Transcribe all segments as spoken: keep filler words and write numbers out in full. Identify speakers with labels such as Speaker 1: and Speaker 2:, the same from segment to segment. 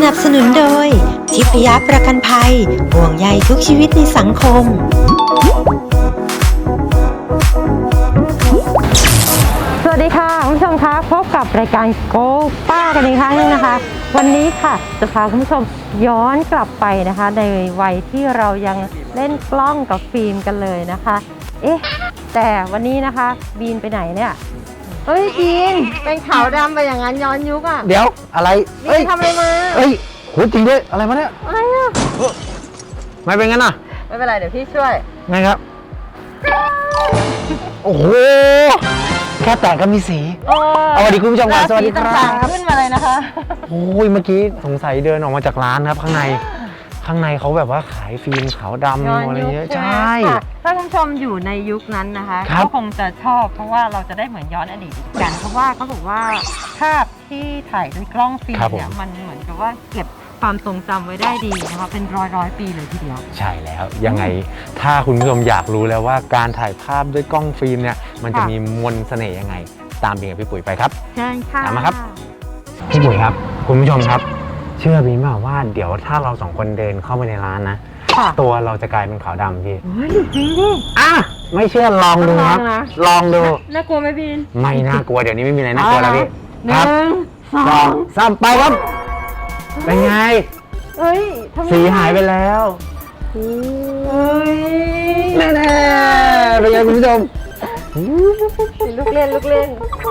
Speaker 1: นับสนุนโดยทิพยประกันภัยห่วงใยทุกชีวิตในสังคม
Speaker 2: สวัสดีค่ะคุณผู้ชมคะพบกับรายการโกป้ากันอีกครั้งนึงนะคะวันนี้ค่ะจะพาคุณผู้ชมย้อนกลับไปนะคะในวัยที่เรายังเล่นกล้องกับฟิล์มกันเลยนะคะเอ๊ะแต่วันนี้นะคะบีนไปไหนเนี่ยเฮ้ยบีนเป็นขาวดำไปอย่างนั้นย้อนยุคอ่ะ
Speaker 3: เดี๋ยวอะไร
Speaker 2: บีนทำอะไรมา
Speaker 3: เอ้ยโหจริงด้วยอะไรมาเนี่ย
Speaker 2: อะไรอ่ะ
Speaker 3: ไม่เป็นงั้นอ่ะ
Speaker 2: ไม่เป็นไรเดี๋ยวพี่ช่วย
Speaker 3: ไงครับโอ้โหแค่แตะก็มีสีเอาสวัสดีคุณผู้ชมครับสวัสดีครับ
Speaker 2: ขึ้นมาเลยนะคะ
Speaker 3: โอ้ยเมื่อกี้สงสัยเดินออกมาจากร้านครับข้างในข้างในเขาแบบว่าขายฟิล์มขาวดำอะไรเงี้ยใช่
Speaker 2: ถ้าคุณผู้ชมอยู่ในยุคนั้นนะคะก็คงจะชอบเพราะว่าเราจะได้เหมือนย้อนอดีตกันเพราะว่าเขาบอกว่าภาพที่ถ่ายด้วยกล้องฟิล์มเนี่ยมันเหมือนกับว่าเก็บความทรงจำไว้ได้ดีนะคะเป็นร้อยร้อยปีเลยทีเดียว
Speaker 3: ใช่แล้วยังไงถ้าคุณผู้ชมอยากรู้แล้วว่าการถ่ายภาพด้วยกล้องฟิล์มเนี่ยมันจะมีมนต์เสน่ห์ยังไงตามบีกับพี่ปุ๋ยไปครับ
Speaker 2: เชิญค่ะ
Speaker 3: ตามมาครับพี่ปุ๋ยครับคุณผู้ชมครับเชื่อบีมากว่าเดี๋ยวถ้าเราสองคนเดินเข้าไปในร้านนะตัวเราจะกลายเป็นขาวดำพี่
Speaker 2: โอ้ยจริงดิ
Speaker 3: อ่ะไม่เชื่อลองดูครับลองดู
Speaker 2: น่ากลัวไหมพี่
Speaker 3: ไม่น่ากลัวเดี๋ยวนี้ไม่มีอะไรน่ากลัวแล้วพี่
Speaker 2: หนึ่งสอง
Speaker 3: สามไปครับเป็นไง
Speaker 2: เอ้ย
Speaker 3: สีหายไปแล้ว
Speaker 2: เฮ้ย
Speaker 3: แน่ๆเป็นไงคุณผู้ชม
Speaker 2: ลูกเล่นลูกเล่น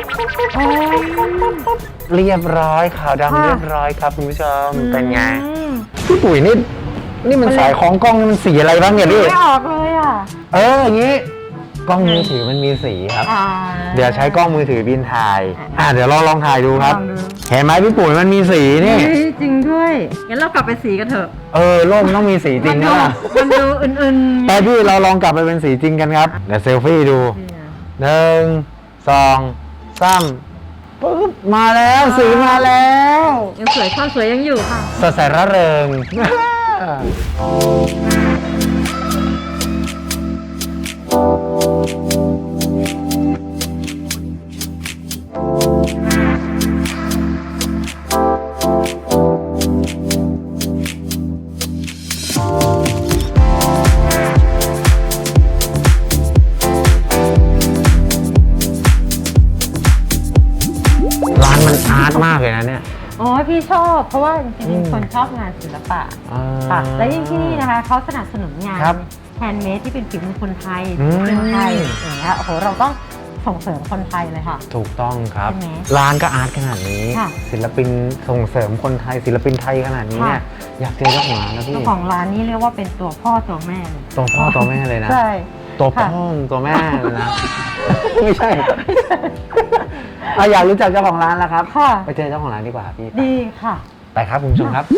Speaker 3: เรียบร้อยขาวดำเรียบร้อยครับคุณผู้ชมเป็นไงพี่ปุ๋ยนี่นี่มันสายของกล้องมันสีอะไรบ้างเนี่ยพี่
Speaker 2: ไม่ออกเลยอ่ะ
Speaker 3: เอออย่างนี้กล้องมือถือมันมีสีครับเดี๋ยวใช้กล้องมือถือบินถ่ายอ่าเดี๋ยวเราลองถ่ายดูครับเห็นไหมพี่ปุ๋ยมันมีสีนี่
Speaker 2: จริงด้วยงั้นเรากลับไปสีกันเถอะ
Speaker 3: เออโลกต้องมีสีจริงนะ
Speaker 2: มันดูอื่นๆ
Speaker 3: แต่พี่เราลองกลับไปเป็นสีจริงกันครับเดี๋ยวเซลฟี่ดูหนึ่งสองสามปุ๊บมาแล้วสีมาแล้ว
Speaker 2: ยังสวยความสวยยังอยู่ค่ะ
Speaker 3: สดใสร่าเริงอาร์ตมากเลยนะเนี่ย
Speaker 2: อ๋อพี่ชอบเพราะว่าจริงๆคนชอบงานศิลปะค่ะและยิ่งที่นี่นะคะเขาสนับสนุนงานแฮนด์เมดที่เป็นฝีมือคนไทยคนไทยอย่างเงี้ยโอ้โหเราต้องส่งเสริมคนไทยเลยค่ะ
Speaker 3: ถูกต้องครับร้านก็อาร์ตขนาดนี้ศิลปินส่งเสริมคนไทยศิลปินไทยขนาดนี้เนี่ยอยากเจอเจ้าของร้านแล้วพี่
Speaker 2: เจ้าของร้านนี้เรียกว่าเป็นตัวพ่อตัวแม่เลย
Speaker 3: ตัวพ่อตัวแม่เลยนะ
Speaker 2: ใช่
Speaker 3: ตัวพ่อตัวแม่เลยนะไม่ใช่เราอยากรู้จักเจ้าของร้านแล้วครับไปเจอเจ้าของร้านดีกว่าพี่
Speaker 2: ดีค่ะ
Speaker 3: ไปครับคุณผู้ชมครับ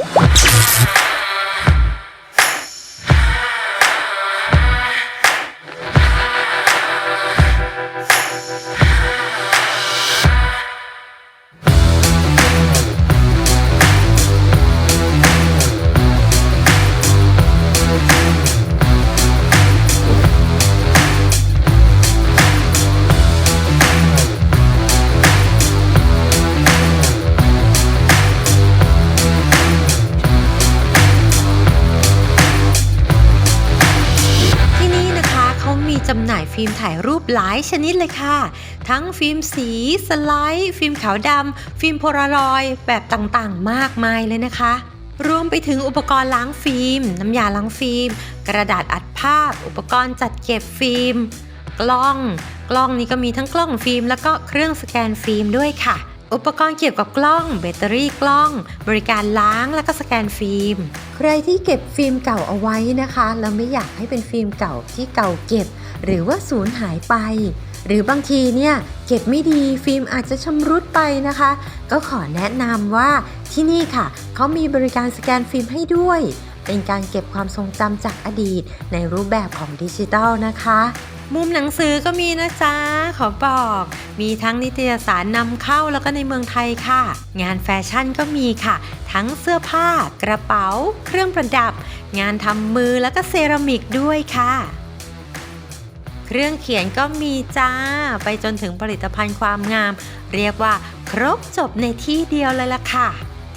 Speaker 1: จำหน่ายฟิล์มถ่ายรูปหลายชนิดเลยค่ะทั้งฟิล์มสีสไลด์ฟิล์มขาวดำฟิล์มโพลารอยด์แบบต่างๆมากมายเลยนะคะรวมไปถึงอุปกรณ์ล้างฟิล์มน้ำยาล้างฟิล์มกระดาษอัดภาพอุปกรณ์จัดเก็บฟิล์มกล้องกล้องนี้ก็มีทั้งกล้องฟิล์มแล้วก็เครื่องสแกนฟิล์มด้วยค่ะอุปกรณ์เกี่ยวกับกล้องแบตเตอรี่กล้องบริการล้างแล้วก็สแกนฟิล์มใครที่เก็บฟิล์มเก่าเอาไว้นะคะแล้วไม่อยากให้เป็นฟิล์มเก่าที่เก่าเก็บหรือว่าสูญหายไปหรือบางทีเนี่ยเก็บไม่ดีฟิล์มอาจจะชำรุดไปนะคะก็ขอแนะนำว่าที่นี่ค่ะเขามีบริการสแกนฟิล์มให้ด้วยเป็นการเก็บความทรงจำจากอดีตในรูปแบบของดิจิทัลนะคะมุมหนังสือก็มีนะจ๊ะขอบอกมีทั้งนิตยสารนำเข้าแล้วก็ในเมืองไทยค่ะงานแฟชั่นก็มีค่ะทั้งเสื้อผ้ากระเป๋าเครื่องประดับงานทำมือแล้วก็เซรามิกด้วยค่ะเครื่องเขียนก็มีจ้าไปจนถึงผลิตภัณฑ์ความงามเรียกว่าครบจบในที่เดียวเลยล่ะค่ะท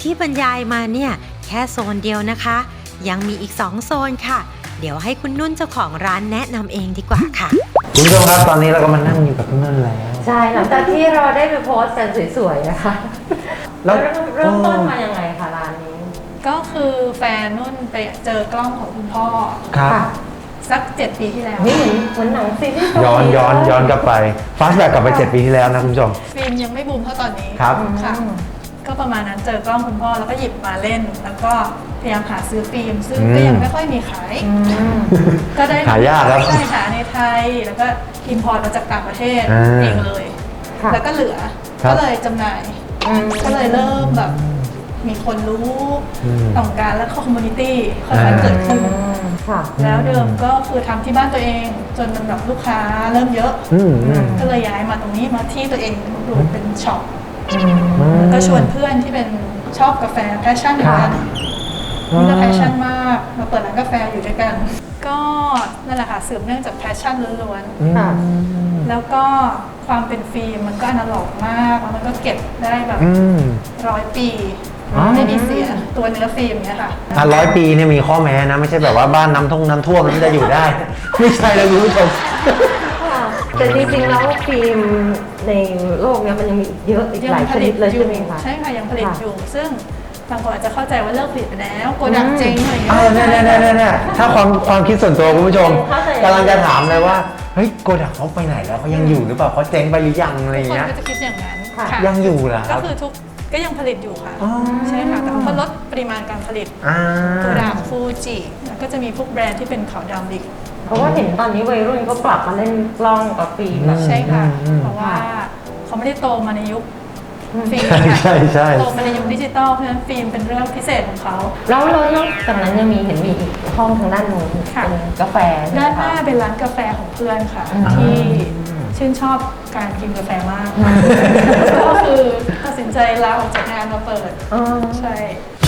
Speaker 1: ที่บรรยายมาเนี่ยแค่โซนเดียวนะคะ ยังมีอีกสองโซนค่ะ เดี๋ยวให้คุณนุ่นเจ้าของร้านแนะนำเองดีกว่าค่ะ
Speaker 3: คุณผู้ชมครับตอนนี้เราก็มานั่งอยู่กับพี่นุ่นแล้ว
Speaker 2: ใช่หลังจากที่เราได้ไปโพสต์กันสวยๆนะคะ
Speaker 3: แล้ว
Speaker 2: เริ่มเริ่มต้นมายังไงคะร้านนี้
Speaker 4: ก็คือแฟนนุ่นไปเจอกล้องของคุณพ่อ
Speaker 3: ครับ
Speaker 2: ค่ะ
Speaker 4: สักเจ็ดปีที่แล้ว
Speaker 2: นี่เหมือนเหมือนหนังซีรีส์เกาหลี
Speaker 3: ย้อนย้อนย้อนกลับไปฟาสแบ็กกลับไปเจ็ดปีที่แล้วนะคุณผู้ชม
Speaker 4: ฟิล์มยังไม่บูมเท่าตอนนี้
Speaker 3: ครับ
Speaker 4: ค่ะ ก็ประมาณนั้นเจอกล้องคุณพ่อแล้วก็หยิบมาเล่น แล้วก็พยายามหาซื้อฟิล์มซึ่ง
Speaker 3: อืม
Speaker 4: ก็ยังไม่ค่อยมีขาย
Speaker 2: อืม
Speaker 4: ก็ได้
Speaker 3: หายากครับ
Speaker 4: ใช่หาในไทยแล้วก็อิมพอร์ตมาจากต่างประเทศ
Speaker 3: อ่า
Speaker 4: เองเลย
Speaker 2: ค่ะ
Speaker 4: แล้วก็เหลือ
Speaker 3: ครับ
Speaker 4: ก็เลยจำหน่าย
Speaker 2: อืม
Speaker 4: ก็เลยเริ่มแบบมีคนรู้
Speaker 3: อืม
Speaker 4: ต้องการและคอมมูนิตี้ค่อยๆเกิดขึ้น
Speaker 2: ค่ะ
Speaker 4: แล้วเดิมก็คือทำที่บ้านตัวเอง จนมันแบบลูกค้าเริ่มเยอะ
Speaker 3: อืมอืม
Speaker 4: ก็เลยย้ายมาตรงนี้มาที่ตัวเองดูเป็นช็อป
Speaker 2: อืม
Speaker 4: แล้วก็ชวนเพื่อนที่เป็นชอบกาแฟแพชชั่นเหมือนกันนี่ก็แพชชั่นมากมาเปิดร้านกาแฟอยู่ด้วยกัน ก็นั่นแหละค่ะสืบเนื่องจากแพชชั่นล้วน
Speaker 2: ค่ะ
Speaker 4: ๆแล้วก็ความเป็นฟิล์มมันก็อนาล็อกมากแล้วมันก็เก็บได้แบบ
Speaker 3: อืม
Speaker 4: ร้อยปี
Speaker 3: อ๋อ
Speaker 4: ไม่มีเสียตัวเนื้อฟิล์มเนี่ยค่ะ
Speaker 3: อ่ะร้อยปีเนี่ยมีข้อแม้นะ ไม่ใช่แบบว่าบ้านน้ำท่วมน้ำท่วมมันจะอยู่ได้ ไม่ใช่แล้วคุณผู้ชม
Speaker 2: แต่จริงๆแล้วฟิล์มในโลกเนี้ยมันยังมีอีกเยอะอีกหลายชนิดเลยใช่ไหมคะ
Speaker 4: ใช่ค่ะยังผลิต
Speaker 2: ค่ะ
Speaker 4: อยู่ ซึ่งบางคนอาจจะเข้าใจว่าเลิกผลิตไปแล้วโกดังเจ๊งอะไรอย่างเงี้
Speaker 3: เออเนี่ยเนี่ยเนี่ยเนี่ยถ้าความความคิดส่วนตัวคุณผู้ชม
Speaker 2: เข้าใจ
Speaker 3: กำลังจะถามเลยว่า เฮ้ยโกดักเขาไปไหนแล้วเขายังอยู่หรือเปล่าเขาเจ๊งไปหรือยังอะไรอย่าง
Speaker 4: คน
Speaker 3: เงี้ย
Speaker 4: ก็จะคิดอย่างนั้น
Speaker 2: ค่ะ
Speaker 4: ค่ะ
Speaker 3: ยังอยู่เหรอค
Speaker 4: ก็
Speaker 3: รับ
Speaker 4: คือทุกก็ยังผลิตอยู่ค่ะ
Speaker 3: อ๋อ
Speaker 4: ใช่ค่ะแต่เขาก็ลดปริมาณการผลิต
Speaker 3: อ่า
Speaker 4: โกดังฟูจิแล้วก็จะมีพวกแบรนด์ที่เป็นขาวดำอีก
Speaker 2: เพราะว่าเห็นตอนนี้วัยรุ่นเขาปรับมาเล่นกล้องกับฟิล์มแบบ
Speaker 4: ใช่ค่ะ
Speaker 3: อืม
Speaker 4: เพราะว่าเขาไม่ได้โตมาในยุค
Speaker 2: อืม
Speaker 4: ฟิล์ม
Speaker 3: ใช่
Speaker 4: ค่ะ
Speaker 3: ใช่ใช่
Speaker 4: โตมาในยุคดิจิตอลเพราะฉะนั้นฟิล์มเป็นเรื่องพิเศษของเขา
Speaker 2: แล้วแล้วนอกจากนั้นยังมีเห็นมีอีกห้องทางด้านโน้น
Speaker 4: ค่ะ
Speaker 2: เป็นกาแฟใช่ไหม
Speaker 4: ด้านห
Speaker 2: คะ
Speaker 4: น้าเป็นร้านกาแฟของเพื่อนค่ะ
Speaker 2: อืม
Speaker 4: ที่ชื่นชอบการกินกาแฟมาก ก็คือตัดสินใจลาออกจากงานมาเปิด
Speaker 2: อ๋อ
Speaker 4: ใช่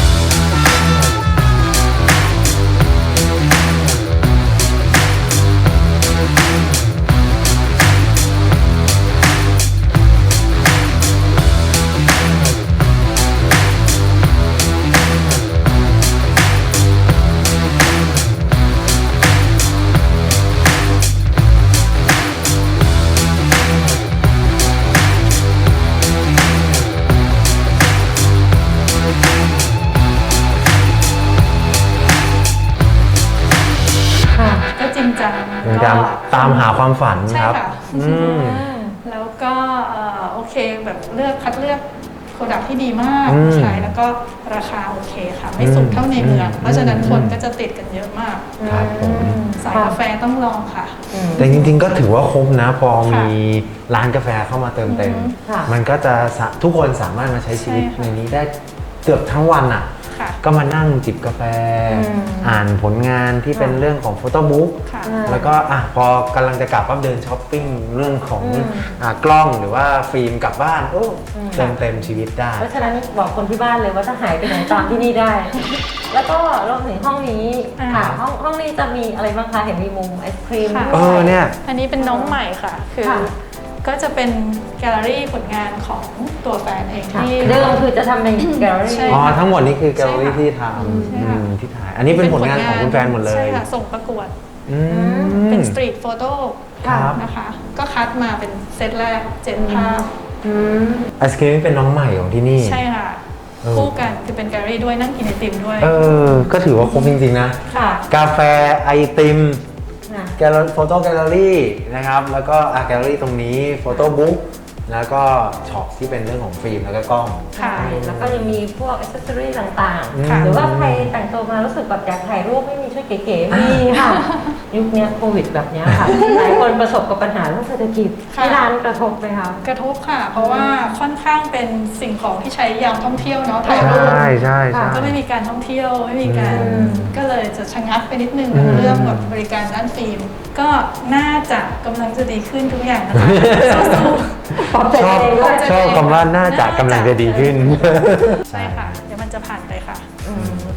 Speaker 2: ค่ะ
Speaker 4: ก็จริงจัง
Speaker 3: จริงจัง
Speaker 4: ก็
Speaker 3: ตามหาความฝัน
Speaker 4: ใช่
Speaker 3: ครับ
Speaker 4: ค่ะ
Speaker 3: อืม
Speaker 4: แล้วก็เอ่อโอเคแบบเลือกคัดเลือกโปรดักที่ดีมาก
Speaker 3: อืม
Speaker 4: ใช้แล้วก็ราคาโอเคค่ะ ไม่สูงเท่าในเมือง
Speaker 3: อืม
Speaker 4: เพราะฉะนั้น
Speaker 3: อืม
Speaker 4: คนก็จะติดกันเยอะมาก
Speaker 3: ครับผม
Speaker 4: สายกาแฟต้องลองค่ะ
Speaker 2: อืม
Speaker 3: แต่จริงๆก็ถือว่าคุ้มนะ พอ
Speaker 4: ค่ะ
Speaker 3: มีร้านกาแฟเข้ามาเติมเต็ม
Speaker 4: อือฮึ
Speaker 2: ค่ะ
Speaker 3: มันก็จะสะทุกคนสามารถมาใช้ชีวิต
Speaker 4: ใช่ค่ะ
Speaker 3: ในนี้ได้เกือบทั้งวันอ่ะ
Speaker 4: ค่ะ
Speaker 3: ก็มานั่งจิบกาแฟ
Speaker 2: อืม
Speaker 3: อ่านผลงานที่เป็น
Speaker 2: ค่ะ
Speaker 3: เรื่องของโฟโต้บุ๊ก
Speaker 4: ค่ะ
Speaker 2: อ่า
Speaker 3: แล้วก็อ่ะพอกำลังจะกลับปั๊บเดินช้อปปิ้งเรื่องของ
Speaker 2: อืม
Speaker 3: อ่ะกล้องหรือว่าฟิล์มกลับบ้านโอ้
Speaker 2: อืม
Speaker 3: เติมเต็มชีวิตได้
Speaker 2: เพราะฉะนั้นบอกคนที่บ้านเลยว่าถ้าหายไปไหนตามที่นี่ได้ แล้วก็รวมถึงห้องนี้
Speaker 4: อ่า
Speaker 2: ค่ะห้องห้องนี้จะมีอะไรบ้างคะเห็นมีมุมไอศครีม
Speaker 4: ค่ะ
Speaker 2: ด้ว
Speaker 3: เออเนี่ย
Speaker 4: อันนี้เป็นน้องใหม่ค่ะ คือ
Speaker 2: ค่ะ
Speaker 4: ก็จะเป็นแกลเลอรี่ผลงานของตัวแฟนเอง
Speaker 2: ค่ะ
Speaker 4: ที่
Speaker 2: เดิมคือจะทำเป็นแกลเลอรี่
Speaker 4: ใช่
Speaker 3: อ๋อทั้งหมดนี้คือแกลเลอรี่
Speaker 4: ใช่ค่ะ
Speaker 3: ที่ท
Speaker 4: ใช่
Speaker 3: ำ
Speaker 4: ค่ะ
Speaker 3: อืมที่ถ่าย อันนี้เป็นผลงานของคุณแฟนหมดเลย
Speaker 4: ใช่ค่ะ ส่งประกวด
Speaker 3: อืม
Speaker 4: เป็นสตรีทโฟโต้
Speaker 3: ครับ
Speaker 4: นะคะ ก็คัดมาเป็นเซตแรกเจ็ดภาพ
Speaker 2: อืม
Speaker 3: ไอศครีมเป็นน้องใหม่ของที่นี่
Speaker 4: ใช่ค่ะ
Speaker 3: เออ
Speaker 4: คู่กันคือเป็นแกลเลอรี่ด้วยนั่งกินไอติมด้วย
Speaker 3: เออ ก็ถือว่าครบจริงๆนะ
Speaker 4: ค่ะ
Speaker 3: กาแฟไอติม
Speaker 2: นะ
Speaker 3: แกลเลอรี่โฟโต้แกลเลอรี่นะครับ แล้วก็อ่ะแกลเลอรี่ตรงนี้โฟโต้บุ๊กแล้วก็ช็อปที่เป็นเรื่องของฟิล์มแล้วก็กล้อง
Speaker 4: ค่ะ
Speaker 2: ใช่แล้วก็ยังมีพวกอ c เซสซอรี่ต่าง
Speaker 3: ค่ะ
Speaker 2: ๆ หรือว่าใครแต่งตัวมารู้สึกแบบอยากถ่ายรูปไม่มีชุดเก๋ๆมีค่ะ ยุคเนี้ยโควิดแบบเนี้ยค่ะ หลายคนประสบกับปัญหาเรื่องเศรษฐกิจ
Speaker 4: ค่ะ
Speaker 2: ที่ร้านกระทบไหมคะ
Speaker 4: กระทบค่ะ เพราะว่าค่อนข้างเป็นสิ่งของที่ใช้ยามท่องเที่ยวเนาะถ่ายรูป
Speaker 3: ใช่ใช่ใช่
Speaker 4: ก็ไม่มีการท่องเที่ยวไม่มีการ
Speaker 2: อืม
Speaker 4: ก็เลยจะชะงักไปนิดนึง
Speaker 3: อืม
Speaker 4: เรื่องแบบบริการด้านฟิล์มก็น่าจะกำลังจะดีขึ้นทุกอย่างนะคะสู้
Speaker 2: ปลอบใจ
Speaker 3: ชอบ
Speaker 2: ตัวเองด้วย
Speaker 3: ชอบคำว่าน่าจะกำลังจะดีขึ้น
Speaker 4: ๆใช่ค่ะ เดี๋ยวมันจะผ่านไปค่ะ
Speaker 2: อืม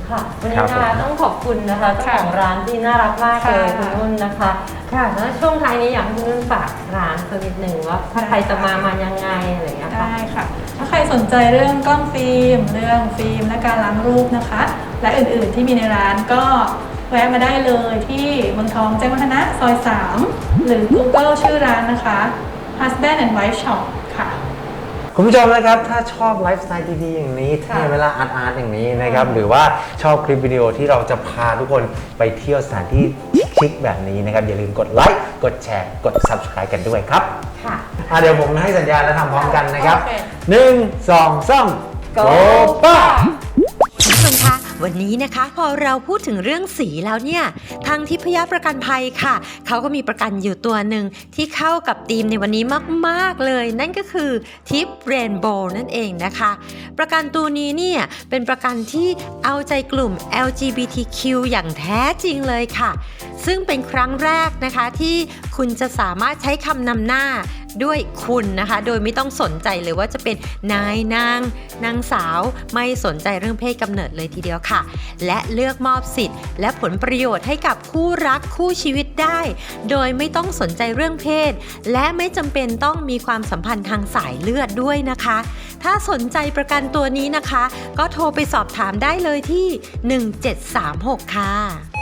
Speaker 2: ค่ะวันนี้
Speaker 3: ครับ
Speaker 2: นะ
Speaker 3: ผม
Speaker 2: คะต้องขอบคุณนะคะเจ้าของร้านที่น่ารักมากเลย
Speaker 4: ค่ะ
Speaker 2: คุณนุ่นนะคะค่ะแล้วช่วงท้ายนี้อยากให้คุณนุ่นฝากร้านสักนิดหนึ่งว่าถ้าใครจะมามายังไงอะไรอย่างเงี้ยค่ะ
Speaker 4: ได้ค่ะ ถ้าใครสนใจเรื่องกล้องฟิล์ม เรื่องฟิล์มและการล้างรูปนะคะ และอื่นๆที่มีในร้านก็แวะมาได้เลยที่เมืองทองแจ้งวัฒนะซอยสามหรือ Google ชื่อร้านนะคะ Husband and Wife Shop ค่ะ
Speaker 3: คุณผู้ชมนะครับถ้าชอบไลฟ์สไตล์ดีๆอย่างนี้เท่เวลาอาร์ตอาร์ตอย่างนี้นะครับหรือว่าชอบคลิปวิดีโอที่เราจะพาทุกคนไปเที่ยวสถานที่ชิคๆแบบนี้นะครับอย่าลืมกดไลค์กดแชร์กด Subscribe กันด้วยครับ
Speaker 2: ค่ะ
Speaker 3: อ่ะเดี๋ยวผมให้สัญญาณแล้วทำพร้อมกันนะครับ
Speaker 4: โอเค
Speaker 3: หนึ่งสองสาม
Speaker 2: Go
Speaker 3: ป้า
Speaker 1: คุณผู้ชมคะวันนี้นะคะพอเราพูดถึงเรื่องสีแล้วเนี่ยทางทิพยประกันภัยค่ะเขาก็มีประกันอยู่ตัวหนึ่งที่เข้ากับธีมในวันนี้มากๆเลย นั่นก็คือทิปเรนโบว์นั่นเองนะคะ ประกันตัวนี้เนี่ยเป็นประกันที่เอาใจกลุ่ม แอล จี บี ที คิว อย่างแท้จริงเลยค่ะ ซึ่งเป็นครั้งแรกนะคะที่คุณจะสามารถใช้คำนำหน้าด้วยคุณนะคะโดยไม่ต้องสนใจเลยว่าจะเป็นนายนางนางสาวไม่สนใจเรื่องเพศกำเนิดเลยทีเดียวค่ะและเลือกมอบสิทธิ์และผลประโยชน์ให้กับคู่รักคู่ชีวิตได้ โดยไม่ต้องสนใจเรื่องเพศและไม่จำเป็นต้องมีความสัมพันธ์ทางสายเลือดด้วยนะคะถ้าสนใจประกันตัวนี้นะคะก็โทรไปสอบถามได้เลยที่หนึ่งเจ็ดสามหกค่ะ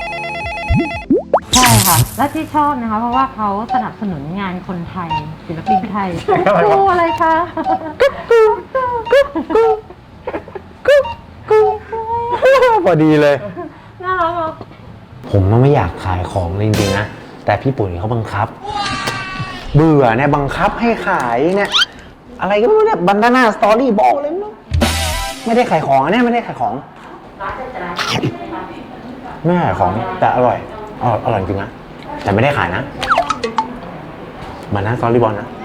Speaker 2: ใช่ค่ะ และที่ชอบนะคะ เพราะว่าเขาสนับสนุนงานคนไทยศิลปินไทย
Speaker 3: อะไรวะ
Speaker 2: กูอะไรคะ
Speaker 3: พอดีเลย
Speaker 2: น่ารักอ่ะ
Speaker 3: ผมมันไม่อยากขายของจริงๆนะแต่พี่ปุ๋ยเขาบังคับ เบื่อเนี่ยบังคับให้ขายเนี่ยอะไรก็ไม่รู้เนี่ยบันดาน่าสตอรี่บอกเลยไม่รู้ไม่ได้ขายของอันเนี่ยไม่ได้ขายของไม่ขายของแต่อร่อยอร่อยอร่อยจริงนะแต่ไม่ได้ขายนะบันดาน่าสตอรี่บอลนะ